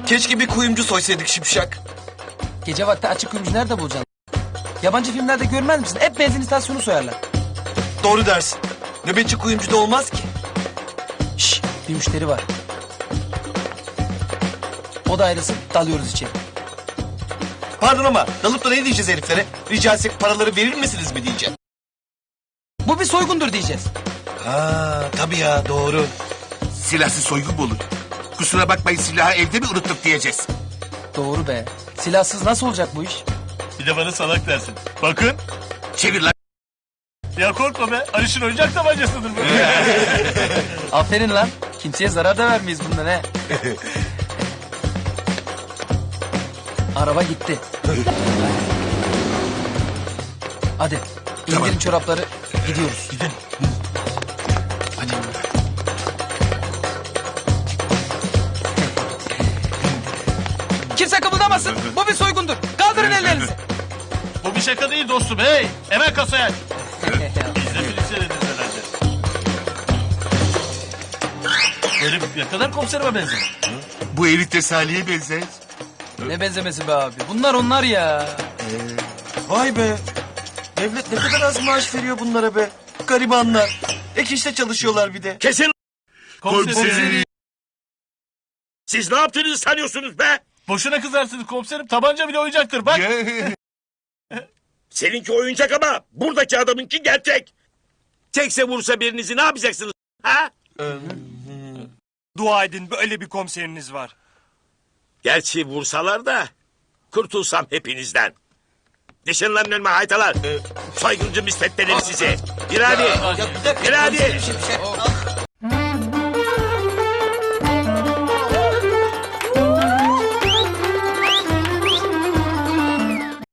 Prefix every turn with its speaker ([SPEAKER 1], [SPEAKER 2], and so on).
[SPEAKER 1] Keşke bir kuyumcu soysaydık Şipşak.
[SPEAKER 2] Gece vakti açık kuyumcu nerede bulacaksın? Yabancı filmlerde görmez misin? Hep benzin istasyonu soyarlar.
[SPEAKER 1] Doğru dersin. Nöbetçi kuyumcu da olmaz ki.
[SPEAKER 2] Şşş, bir müşteri var. O da ayrılsın, dalıyoruz içeri.
[SPEAKER 1] Pardon ama dalıp da ne diyeceğiz heriflere? Rica etsek paraları verir misiniz mi diyeceğim.
[SPEAKER 2] Bu bir soygundur diyeceğiz.
[SPEAKER 1] Ha tabii ya doğru.
[SPEAKER 3] Silahsız soygun mu olur? Kusura bakmayın, silahı evde mi unuttuk diyeceğiz.
[SPEAKER 2] Doğru be. Silahsız nasıl olacak bu iş?
[SPEAKER 4] Bir de bana salak dersin. Bakın.
[SPEAKER 3] Çevir lan.
[SPEAKER 4] Ya korkma be. Aliş'in oyuncak tabancasıdır bu.
[SPEAKER 2] Aferin lan. Kimseye zarar da vermeyiz bundan he. Araba gitti. Hadi. İndirin çorapları. Gidiyoruz.
[SPEAKER 4] Gidin.
[SPEAKER 2] Kimse kımıldamasın. Bu bir soygundur. Kaldırın ellerinizi.
[SPEAKER 4] Bu bir şaka değil dostum. Hey. Hemen kasaya aç. Biz de film seyrederiz herhalde. Herif ne kadar komiserime benziyor.
[SPEAKER 3] Bu herif de Salih'e benzer.
[SPEAKER 2] Ne benzemesi be abi. Bunlar onlar ya.
[SPEAKER 1] Vay be. Devlet ne kadar az maaş veriyor bunlara be. Garibanlar. Ek işte çalışıyorlar bir de.
[SPEAKER 5] Kesin.
[SPEAKER 3] Komiserim.
[SPEAKER 5] Siz ne yaptığınızı sanıyorsunuz be?
[SPEAKER 4] Boşuna kızarsınız komiserim. Tabanca bile oyuncaktır bak.
[SPEAKER 5] Seninki oyuncak ama buradaki adamınki gerçek. Tekse vursa birinizi ne yapacaksınız? Ha?
[SPEAKER 6] Dua edin böyle bir komiseriniz var.
[SPEAKER 5] Gerçi vursalar da kurtulsam hepinizden. Dışın lan önüme haytalar. Soyguncu müsveddeleri sizi. Bir hadi. Bir hadi.